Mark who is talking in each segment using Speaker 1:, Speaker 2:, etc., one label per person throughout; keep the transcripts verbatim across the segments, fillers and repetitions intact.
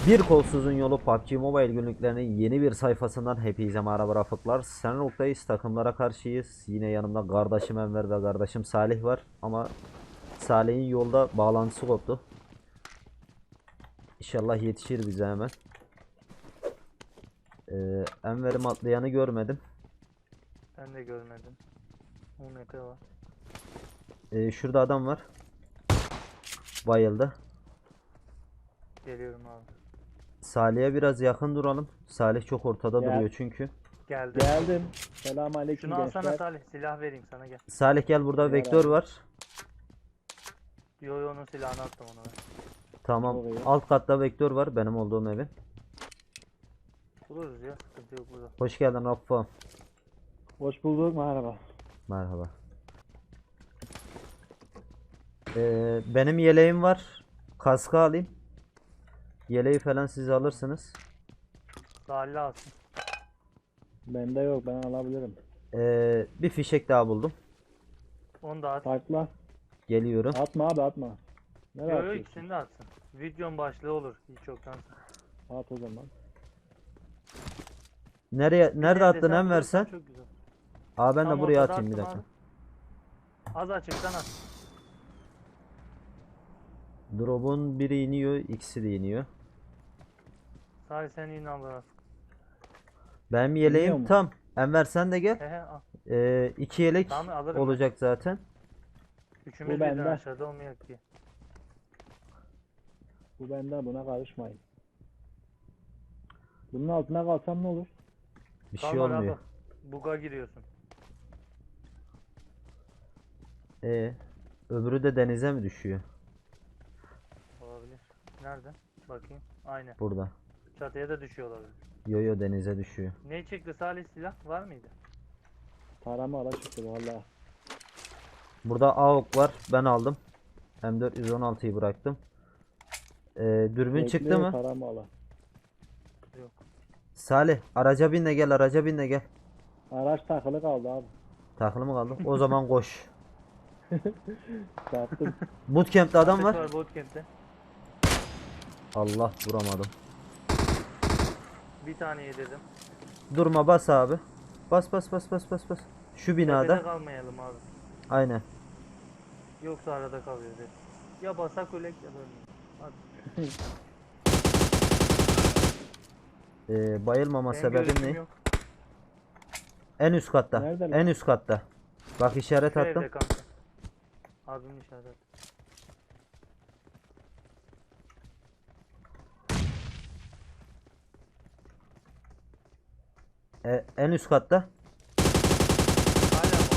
Speaker 1: Bir Kolsuzun Yolu P U B G Mobile günlüklerinin yeni bir sayfasından hepinize merhaba Rafıklar. Sen noktayız, takımlara karşıyız. Yine yanımda kardeşim Enver ve kardeşim Salih var. Ama Salih'in yolda bağlantısı koptu. İnşallah yetişir bize hemen. Ee, Enver'im atlayanı görmedim.
Speaker 2: Ben de görmedim. on metre var.
Speaker 1: Ee, şurada adam var. Bayıldı.
Speaker 2: Geliyorum abi.
Speaker 1: Salih'e biraz yakın duralım. Salih çok ortada
Speaker 3: Gel.
Speaker 1: duruyor çünkü.
Speaker 2: Geldim.
Speaker 3: Geldim. Selamünaleyküm
Speaker 2: Şunu alsana
Speaker 3: gençler.
Speaker 2: Salih. Silah vereyim sana, gel.
Speaker 1: Salih gel, burada
Speaker 3: Ver
Speaker 1: vektör
Speaker 3: abi.
Speaker 1: var.
Speaker 2: Yo yo, onun silahını attım ona ben.
Speaker 1: Tamam.
Speaker 3: Çok iyi.
Speaker 1: Alt katta vektör var, benim olduğum evin.
Speaker 2: Buluruz ya, sıkıntı yok burada.
Speaker 1: Hoş geldin Rafa.
Speaker 3: Hoş bulduk, merhaba.
Speaker 1: Merhaba. Ee, benim yeleğim var. Kaskı alayım. Yeleği falan siz alırsınız.
Speaker 2: Salih alsın.
Speaker 3: Bende yok, ben alabilirim.
Speaker 1: Ee, bir fişek daha buldum.
Speaker 2: Onu da at.
Speaker 3: Takla.
Speaker 1: Geliyorum.
Speaker 3: Atma abi atma. Nereye
Speaker 2: Yo yo,
Speaker 3: atıyorsun?
Speaker 2: ikisini de atsın. Videonun başlığı olur hiç yoktan.
Speaker 3: At o zaman.
Speaker 1: Nereye nerede attın
Speaker 2: Desen
Speaker 1: Enver
Speaker 2: bulursan
Speaker 1: sen?
Speaker 2: çok güzel.
Speaker 1: Aa, ben de
Speaker 2: Tam
Speaker 1: buraya
Speaker 2: ortada
Speaker 1: atayım bir
Speaker 2: attım
Speaker 1: dakika.
Speaker 2: abi. Az açıktan at.
Speaker 1: Drop'un biri iniyor, ikisi de iniyor.
Speaker 2: Salih sen in al.
Speaker 1: Benim
Speaker 3: İniyor
Speaker 1: yeleğim
Speaker 3: mu?
Speaker 1: tam. Enver sen de gel.
Speaker 2: He he al.
Speaker 1: Ee, iki yelek
Speaker 2: Tamam, alırım ben.
Speaker 1: olacak zaten.
Speaker 2: Üçümüz
Speaker 3: Bu
Speaker 2: birden
Speaker 3: bende.
Speaker 2: aşağıda olmuyor ki.
Speaker 3: Bu bende, buna karışmayın. Bunun altına kalsam ne olur?
Speaker 1: Bir şey
Speaker 2: Kalma
Speaker 1: olmuyor.
Speaker 2: abi. Buga giriyorsun.
Speaker 1: Ee, öbürü de denize mi düşüyor?
Speaker 2: Olabilir. Nerede? Bakayım. Aynen.
Speaker 1: Burada.
Speaker 2: Çatıya da düşüyor olabilir.
Speaker 1: Yo yo, denize düşüyor.
Speaker 2: Ne çıktı Salih, silah var mıydı?
Speaker 3: Tarama ala çıktı valla.
Speaker 1: Burada A O K var. Ben aldım. M dört yüz on altıyı bıraktım. Ee, dürbün çıktı mı?
Speaker 3: Tarama ala.
Speaker 2: Yok.
Speaker 1: Salih, araca bin de gel, araca bin de gel.
Speaker 3: Araç takılı kaldı abi.
Speaker 1: Takılı mı kaldı? O zaman koş.
Speaker 3: Sattım.
Speaker 1: Bootcamp'te adam
Speaker 2: Ateş
Speaker 1: var.
Speaker 2: var bootcamp'te.
Speaker 1: Allah, vuramadım.
Speaker 2: Bir tane yedirdim.
Speaker 1: Durma, bas abi. Bas bas bas bas bas bas. Şu
Speaker 2: Tepede
Speaker 1: binada.
Speaker 2: kalmayalım abi.
Speaker 1: Aynen.
Speaker 2: Yoksa arada kalıyoruz hep. Ya basak ölek ya da ölmeyiz. Hadi.
Speaker 1: Ee, bayılmama
Speaker 2: Benim
Speaker 1: sebebim
Speaker 2: görüşüm
Speaker 1: ne?
Speaker 2: yok.
Speaker 1: En üst katta.
Speaker 3: Nerede lan?
Speaker 1: En üst katta. Bak, işaret
Speaker 2: Şu
Speaker 1: attım.
Speaker 2: evde kanka. Abimin işaret.
Speaker 1: Ee, en üst katta.
Speaker 2: Hala mı?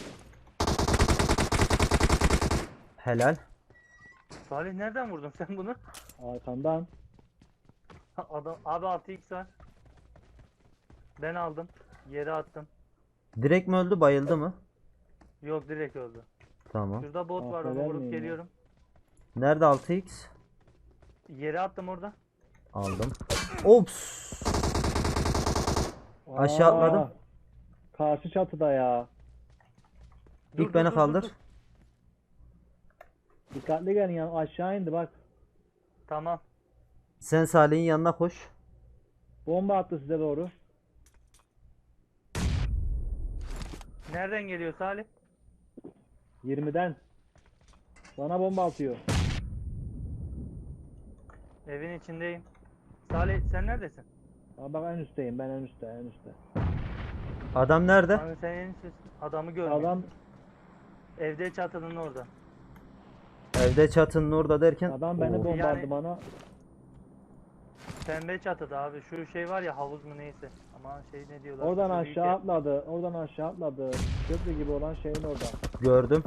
Speaker 1: Helal.
Speaker 2: Salih nereden vurdun sen bunu?
Speaker 3: Arkandan.
Speaker 2: Ha, Adam, abi altı x var. Ben aldım. Yere attım.
Speaker 1: Direkt mi öldü, bayıldı mı?
Speaker 2: Yok, direkt öldü.
Speaker 1: Tamam.
Speaker 2: Şurada bot var, onu
Speaker 3: Affeder
Speaker 2: vurup
Speaker 3: miyim ya?
Speaker 2: geliyorum.
Speaker 1: Nerede altı x?
Speaker 2: Yere attım orada.
Speaker 1: Aldım. Ops. Aşağı
Speaker 3: Aa,
Speaker 1: atladım.
Speaker 3: Karşı çatıda ya.
Speaker 2: Dur,
Speaker 1: İlk
Speaker 2: dur,
Speaker 1: beni
Speaker 2: dur, dur,
Speaker 1: kaldır.
Speaker 2: dur.
Speaker 3: Dikkatli gelin ya, aşağı indi bak.
Speaker 2: Tamam.
Speaker 1: Sen Salih'in yanına koş.
Speaker 3: Bomba attı size doğru.
Speaker 2: Nereden geliyor Salih?
Speaker 3: yirmiden. Bana bomba atıyor.
Speaker 2: Evin içindeyim. Salih sen neredesin?
Speaker 3: Aa, bak en üstteyim, ben en üstte en üstte.
Speaker 1: Adam nerede?
Speaker 2: Abi sen en üsttesin. Adamı görmüyorum.
Speaker 3: Adam
Speaker 2: Evde çatının orada.
Speaker 1: Evde çatının orada derken.
Speaker 3: adam beni
Speaker 1: Oo.
Speaker 3: bomba
Speaker 2: Yani-
Speaker 3: attı bana.
Speaker 2: Pembe çatıda abi. Şu şey var ya, havuz mu neyse. Ama şey ne diyorlar?
Speaker 3: Oradan
Speaker 2: Şu büyük
Speaker 3: aşağı
Speaker 2: ev.
Speaker 3: atladı. Oradan aşağı atladı. Köprü gibi olan şeyin orada.
Speaker 1: Gördüm.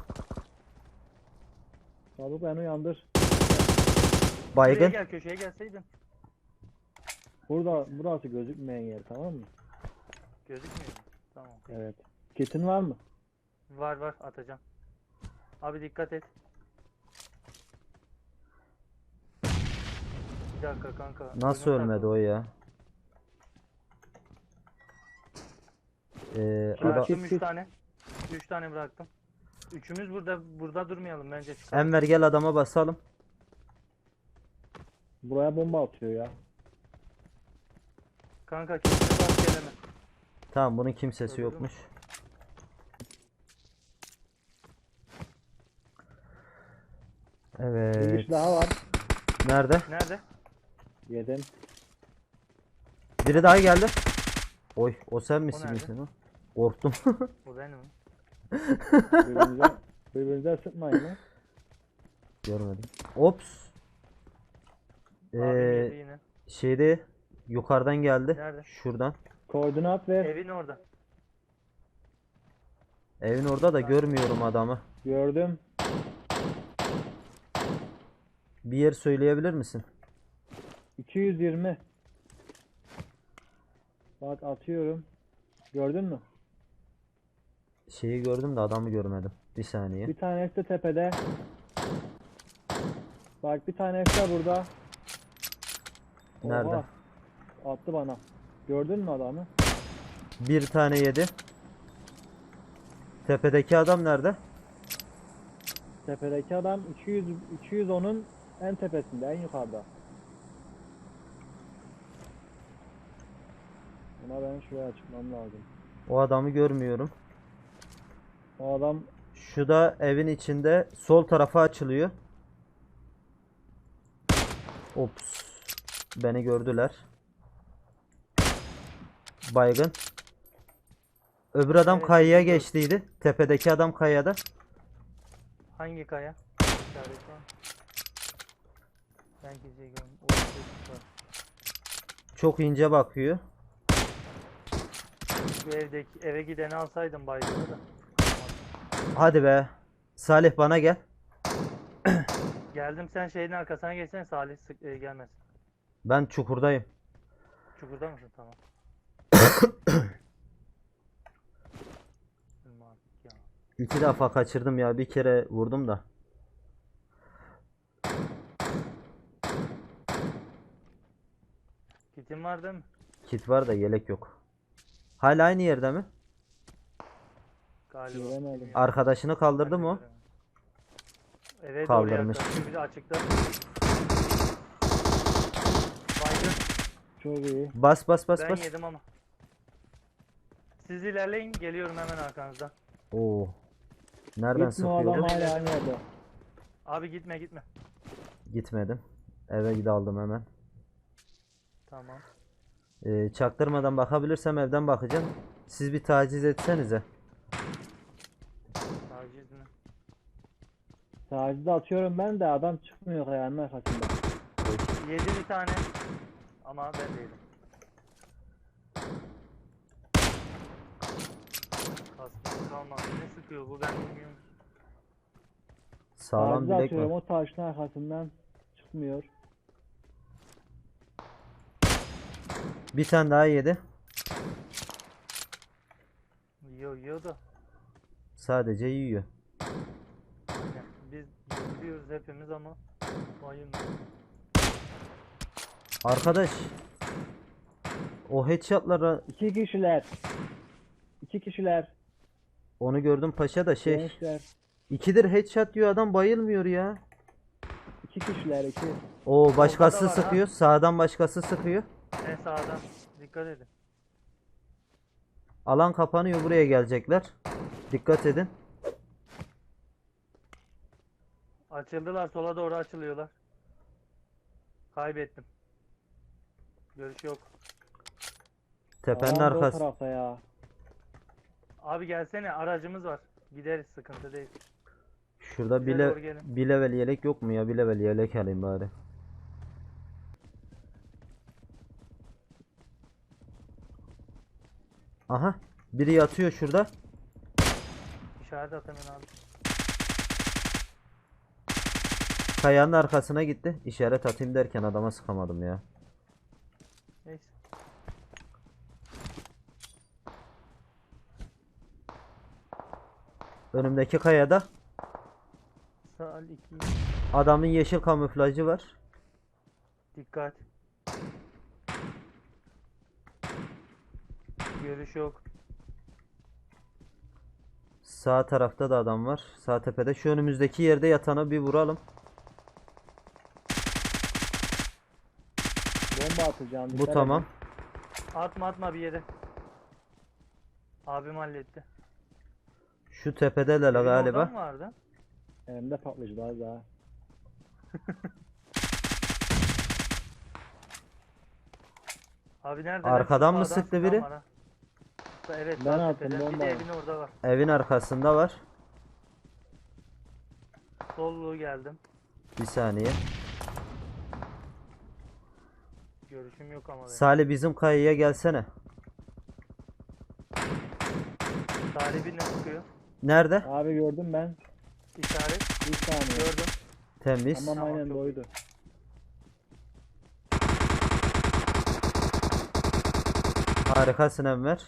Speaker 3: Çabuk beni uyandır.
Speaker 2: Şuraya
Speaker 1: Baygın.
Speaker 2: gel, köşeye gelseydin.
Speaker 3: Burada burası gözükmeyen yer, tamam mı?
Speaker 2: Gözükmüyor mu? Tamam.
Speaker 3: Evet. Kitin var mı?
Speaker 2: Var var, atacağım. Abi dikkat et. Bir dakika kanka.
Speaker 1: Nasıl
Speaker 2: oyuna
Speaker 1: ölmedi
Speaker 2: takıl.
Speaker 1: o ya? Ee,
Speaker 3: Kit,
Speaker 1: adam-
Speaker 2: Bıraktım
Speaker 3: kit,
Speaker 2: üç
Speaker 3: kit.
Speaker 2: tane. üç tane bıraktım. Üçümüz burada burada durmayalım bence. Çıkalım.
Speaker 1: Enver gel, adama basalım.
Speaker 3: Buraya bomba atıyor ya.
Speaker 2: Kanka kimse bas geleme.
Speaker 1: Tamam, bunun kimsesi
Speaker 2: Öldürdün mü?
Speaker 1: yokmuş.
Speaker 3: Bir
Speaker 1: Evet.
Speaker 3: kişi daha var.
Speaker 1: Nerede?
Speaker 2: Nerede?
Speaker 3: Yedim.
Speaker 1: Biri daha geldi. Oy, o sen misin
Speaker 2: nerede?
Speaker 1: misin o? Korktum.
Speaker 2: O benim.
Speaker 3: Birbirinize, birbirinize sıkmayın lan.
Speaker 1: Görmedim. Ops.
Speaker 2: Abim yedi
Speaker 1: Ee,
Speaker 2: yine.
Speaker 1: şeyde yukarıdan geldi.
Speaker 2: Nerede?
Speaker 1: Şuradan.
Speaker 3: Koordinat ver.
Speaker 2: Evin orada.
Speaker 1: Evin orada da görmüyorum adamı.
Speaker 3: Gördüm.
Speaker 1: Bir yer söyleyebilir misin?
Speaker 3: iki yüz yirmi. Bak atıyorum. Gördün mü?
Speaker 1: Şeyi gördüm de adamı görmedim. Bir saniye.
Speaker 3: Bir tanesi de tepede. Bak bir tanesi de burada.
Speaker 1: Nerede?
Speaker 3: Oha, attı bana. Gördün mü adamı?
Speaker 1: Bir tane yedi. Tepedeki adam nerede?
Speaker 3: Tepedeki adam iki yüz iki yüz onun en tepesinde, en yukarıda. Buna ben şuraya çıkmam lazım.
Speaker 1: O adamı görmüyorum.
Speaker 3: O adam
Speaker 1: Şu da evin içinde sol tarafa açılıyor. Ops. Beni gördüler. Baygın. Öbür adam
Speaker 2: Evet,
Speaker 1: kayaya
Speaker 2: biliyorum.
Speaker 1: geçtiydi. Tepedeki adam kayada.
Speaker 2: Hangi kaya? İşaret var. Ben kimseyi görmedim. O çocuk var.
Speaker 1: Çok ince bakıyor.
Speaker 2: Bu evdeki eve gideni alsaydım baygını da.
Speaker 1: Hadi be. Salih bana gel.
Speaker 2: Geldim, sen şeyin arkasına geçsen Salih sık, e, gelmez.
Speaker 1: Ben çukurdayım.
Speaker 2: Çukurda mısın? Tamam. Bilmem artık ya.
Speaker 1: İki defa kaçırdım ya. Bir kere vurdum da.
Speaker 2: Kitin var değil mi?
Speaker 1: Kit var da yelek yok. Hala aynı yerde mi?
Speaker 2: Galiba.
Speaker 3: Göremedim.
Speaker 2: bilmiyorum.
Speaker 1: Arkadaşını kaldırdı
Speaker 2: Ben de
Speaker 1: mı o?
Speaker 2: göremedim. Evet,
Speaker 1: Kaldırmış.
Speaker 2: oraya yaklaşıyor. Bir de açıkta. Baygın.
Speaker 3: çok iyi.
Speaker 1: Bas bas bas
Speaker 2: Ben
Speaker 1: bas.
Speaker 2: yedim ama. Siz ilerleyin, geliyorum hemen arkanızdan.
Speaker 1: Oo. Nereden
Speaker 3: Gitme, o adam
Speaker 1: sıkıyordu?
Speaker 3: hala aynı yerde.
Speaker 2: Abi gitme gitme.
Speaker 1: Gitmedim. Eve gidi aldım hemen.
Speaker 2: Tamam.
Speaker 1: Ee, çaktırmadan bakabilirsem evden bakacağım. Siz bir taciz etsenize.
Speaker 2: Taciz mi?
Speaker 3: Tacizi atıyorum ben de adam çıkmıyor kayanın arkasında.
Speaker 2: Yedi bir tane. Ama ben de yedim. Kaskım kalmadı. Ne sıkıyor bu, ben bilmiyorum.
Speaker 1: Sağlam
Speaker 3: Tacizi
Speaker 1: bilek
Speaker 3: atıyorum,
Speaker 1: var.
Speaker 3: o taşın arkasından çıkmıyor.
Speaker 1: Bir tane daha yedi.
Speaker 2: Yiyor yiyor da.
Speaker 1: Sadece yiyor.
Speaker 2: Aynen. Biz yiyoruz hepimiz ama bayım.
Speaker 1: Arkadaş. O headshot'lara
Speaker 3: İki kişiler. İki kişiler.
Speaker 1: onu gördüm paşa da şey.
Speaker 3: Gençler.
Speaker 1: İkidir headshot diyor adam, bayılmıyor ya.
Speaker 3: İki kişiler, iki.
Speaker 1: O başkası
Speaker 2: Ortada var ha.
Speaker 1: sıkıyor. Sağdan başkası sıkıyor.
Speaker 2: En sağdan. Dikkat edin.
Speaker 1: Alan kapanıyor, buraya gelecekler. Dikkat edin.
Speaker 2: Açıldılar, sola doğru açılıyorlar. Kaybettim. Görüş yok.
Speaker 1: Tepenin
Speaker 3: Adam da o
Speaker 1: arkası.
Speaker 3: tarafta ya.
Speaker 2: Abi gelsene, aracımız var. Gideriz, sıkıntı değil.
Speaker 1: Şurada
Speaker 2: Bize
Speaker 1: bile
Speaker 2: doğru gelin.
Speaker 1: bir level yelek yok mu ya? Bir level yelek alayım bari. Aha. Biri yatıyor şurada.
Speaker 2: İşaret at hemen abi.
Speaker 1: Kayanın arkasına gitti. İşaret atayım derken adama sıkamadım ya.
Speaker 2: Neyse.
Speaker 1: Önümdeki kayada
Speaker 2: Sağ iki.
Speaker 1: adamın yeşil kamuflajı var.
Speaker 2: Dikkat. Görüş yok.
Speaker 1: Sağ tarafta da adam var. Sağ tepede. Şu önümüzdeki yerde yatanı bir vuralım.
Speaker 3: Bomba atacağım.
Speaker 1: Bu
Speaker 3: dikkat
Speaker 1: tamam.
Speaker 3: edin.
Speaker 2: Atma atma bir yere. Abim halletti.
Speaker 1: Şu tepedeler
Speaker 2: Evin
Speaker 1: galiba.
Speaker 2: oradan vardı.
Speaker 3: Elimde patlayıcı daha daha.
Speaker 2: Abi nerede?
Speaker 1: Arkadan mı sıktı biri?
Speaker 2: Evet,
Speaker 3: Ben
Speaker 2: sağ
Speaker 3: attım
Speaker 2: tepeden. Bir de
Speaker 3: bombayı.
Speaker 2: evin orada var.
Speaker 1: Evin arkasında var.
Speaker 2: Solluğu geldim.
Speaker 1: Bir saniye.
Speaker 2: Görüşüm yok ama benim.
Speaker 1: Salih bizim kayaya gelsene.
Speaker 2: Talibi ne sıkıyor?
Speaker 1: Nerede?
Speaker 3: Abi gördüm ben.
Speaker 2: İşaret.
Speaker 3: Bir saniye.
Speaker 2: Gördüm.
Speaker 1: Temiz.
Speaker 3: Tamam
Speaker 2: Tamam,
Speaker 3: aynen
Speaker 2: çok
Speaker 3: doydu.
Speaker 1: Harikasın Enver.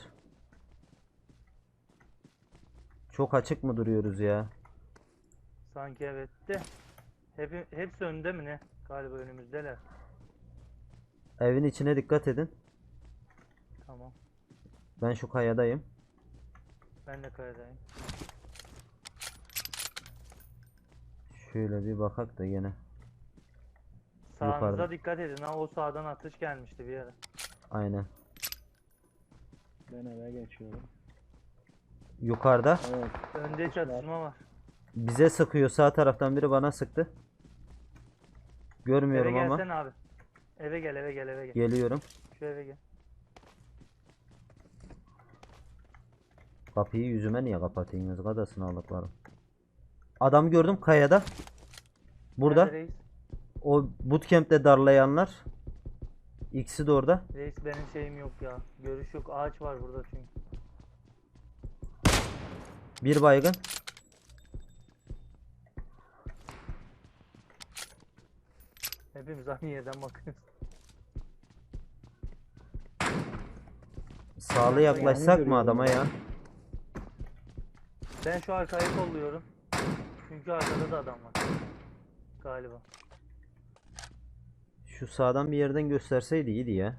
Speaker 1: Çok açık mı duruyoruz ya?
Speaker 2: Sanki evet de. Hep, hepsi önde mi ne? Galiba önümüzdeler.
Speaker 1: Evin içine dikkat edin.
Speaker 2: Tamam.
Speaker 1: Ben şu kayadayım.
Speaker 2: Ben de kayadayım.
Speaker 1: Şöyle bir bakak da gene.
Speaker 2: Sağınıza
Speaker 1: Yukarıda.
Speaker 2: dikkat edin ha, o sağdan atış gelmişti bir yere.
Speaker 1: Aynen.
Speaker 3: Ben eve geçiyorum.
Speaker 1: Yukarıda.
Speaker 3: Evet.
Speaker 2: Önde çatışma var.
Speaker 1: Bize sıkıyor. Sağ taraftan biri bana sıktı. Görmüyorum
Speaker 2: Eve
Speaker 1: ama.
Speaker 2: gelsene abi. Eve gel eve gel eve gel.
Speaker 1: Geliyorum.
Speaker 2: Şu eve gel.
Speaker 1: Kapıyı yüzüme niye kapatıyorsunuz? Kadasını aldıklarım. Adam gördüm kayada. Burada.
Speaker 2: Nerede reis?
Speaker 1: O bootcamp'te darlayanlar. İkisi de orada.
Speaker 2: Reis benim şeyim yok ya. Görüş yok. Ağaç var burada çünkü.
Speaker 1: Bir baygın.
Speaker 2: Hepimiz aynı yerden bakıyoruz.
Speaker 1: Sağlı yaklaşsak mı adama ya?
Speaker 2: Ben şu arkayı kolluyorum. Çünkü arkada da adam var. Galiba.
Speaker 1: Şu sağdan bir yerden gösterseydi iyiydi ya.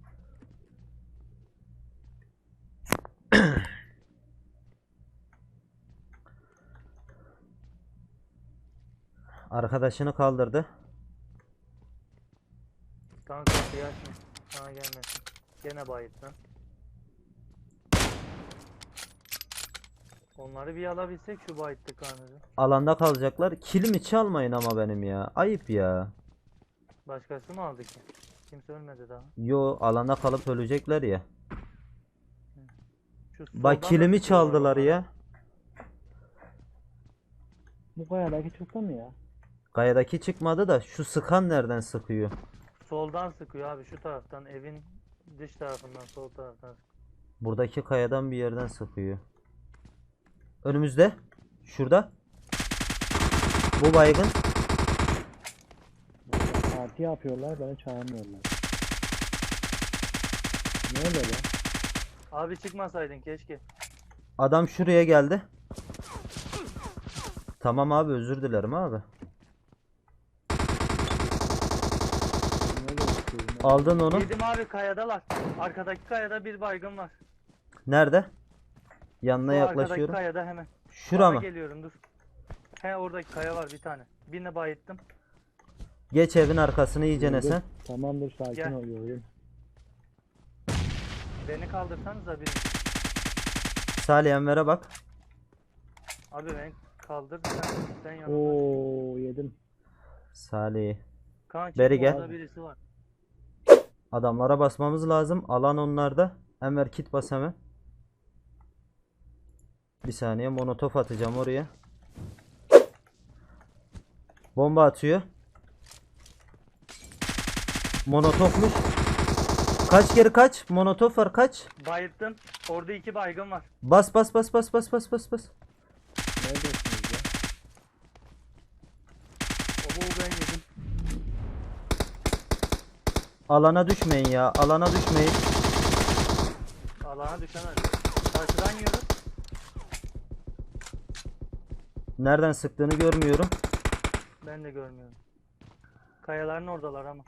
Speaker 1: Arkadaşını kaldırdı.
Speaker 2: Kanka kapıyı açma. Sana gelmesin. Gene bayıttın. Onları bir alabilsek şu bayıttı kanını.
Speaker 1: Alanda kalacaklar. Kilimi çalmayın ama benim ya. Ayıp ya.
Speaker 2: Başkası mı aldı ki? Kimse ölmedi daha.
Speaker 1: Yo, alanda kalıp ölecekler ya.
Speaker 2: Şu soldan
Speaker 1: Bak
Speaker 2: da
Speaker 1: kilimi
Speaker 2: sıkıyorlar
Speaker 1: çaldılar
Speaker 2: onları.
Speaker 1: ya.
Speaker 3: Bu kayadaki çıktı mı ya?
Speaker 1: Kayadaki çıkmadı da şu sıkan nereden sıkıyor?
Speaker 2: Soldan sıkıyor abi, şu taraftan, evin dış tarafından, sol taraftan sıkıyor.
Speaker 1: Buradaki kayadan bir yerden sıkıyor. Önümüzde. Şurada. Bu baygın.
Speaker 3: Parti yapıyorlar beni çağırmıyorlar. Ne oluyor lan?
Speaker 2: Abi çıkmasaydın keşke.
Speaker 1: Adam şuraya geldi. Tamam abi, özür dilerim abi.
Speaker 3: Ne oluyor?
Speaker 1: Aldın onu.
Speaker 2: Yedim abi, kayadalar. Arkadaki kayada bir baygın var.
Speaker 1: Nerede? Yanına
Speaker 2: Şu arkadaki
Speaker 1: yaklaşıyorum.
Speaker 2: kayada hemen.
Speaker 1: Şura
Speaker 2: Bana
Speaker 1: mı?
Speaker 2: geliyorum, dur. He, oradaki kaya var bir tane. Birine bayıttım.
Speaker 1: Geç evin arkasını iyicene sen.
Speaker 3: Tamamdır sakin
Speaker 2: Gel.
Speaker 3: oluyorum.
Speaker 2: Beni kaldırsanıza bir.
Speaker 1: Salih Enver'e bak.
Speaker 2: Abi beni kaldır sen, sen yanımda.
Speaker 3: Oo yedim.
Speaker 1: Salih.
Speaker 2: Kanki
Speaker 1: beri gel.
Speaker 2: orada birisi var.
Speaker 1: Adamlara basmamız lazım. Alan onlarda. Enver kit bas hemen. Bir saniye, molotof atacağım oraya. Bomba atıyor. Monotofmuş. Kaç geri kaç. Monotof var, kaç.
Speaker 2: Bayıttım. Orada iki baygın var.
Speaker 1: Bas bas bas bas bas bas bas bas.
Speaker 3: Neredesiniz ya?
Speaker 2: Oho, ben yedim.
Speaker 1: Alana düşmeyin ya. Alana düşmeyin.
Speaker 2: Allah'a düşen öyle. Karşıdan yiyoruz.
Speaker 1: Nereden sıktığını görmüyorum.
Speaker 2: Ben de görmüyorum. Kayaların oradalar ama.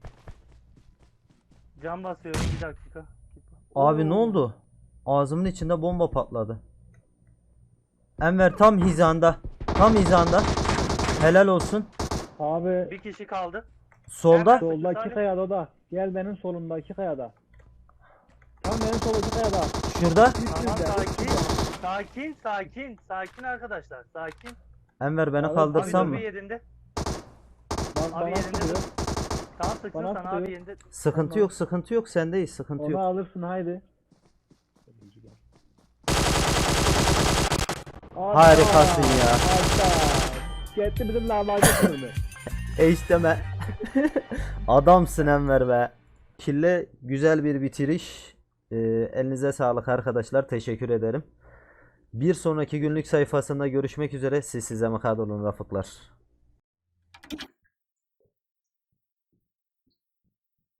Speaker 2: Cam basıyorum, bir dakika.
Speaker 1: Abi ne
Speaker 2: Oo.
Speaker 1: oldu? Ağzımın içinde bomba patladı. Enver tam hizanda. Tam hizanda. Helal olsun.
Speaker 3: Abi
Speaker 2: Bir kişi kaldı.
Speaker 1: Solda.
Speaker 3: soldaki
Speaker 2: Salih.
Speaker 3: kayada da. Gel benim solumdaki kayada. benim soldaki kayada.
Speaker 1: Şurada.
Speaker 2: Tamam
Speaker 3: Üstünde.
Speaker 2: sakin. Sakin sakin. Sakin arkadaşlar. Sakin.
Speaker 1: Enver beni
Speaker 3: Abi,
Speaker 1: kaldırsam
Speaker 2: abi
Speaker 1: mı?
Speaker 2: dur bir yerinde.
Speaker 3: Bak
Speaker 2: Abi
Speaker 3: bana
Speaker 2: yerinde
Speaker 3: sıkıyor.
Speaker 2: dur. Tamam sıksın
Speaker 3: Bana
Speaker 2: sana
Speaker 3: sıkıyor.
Speaker 2: abi yerinde.
Speaker 1: Sıkıntı
Speaker 2: Tamam.
Speaker 1: yok, sıkıntı yok. Sendeyiz, sıkıntı
Speaker 3: Onu
Speaker 1: yok.
Speaker 3: alırsın haydi.
Speaker 1: Harikasın ya.
Speaker 3: Harika. Gitti bizim lahmacun kırdı.
Speaker 1: E işte ben. Adamsın Enver be. Kille güzel bir bitiriş. Ee, elinize sağlık arkadaşlar. Teşekkür ederim. Bir sonraki günlük sayfasında görüşmek üzere. Siz size mukaddar olun Rafıklar.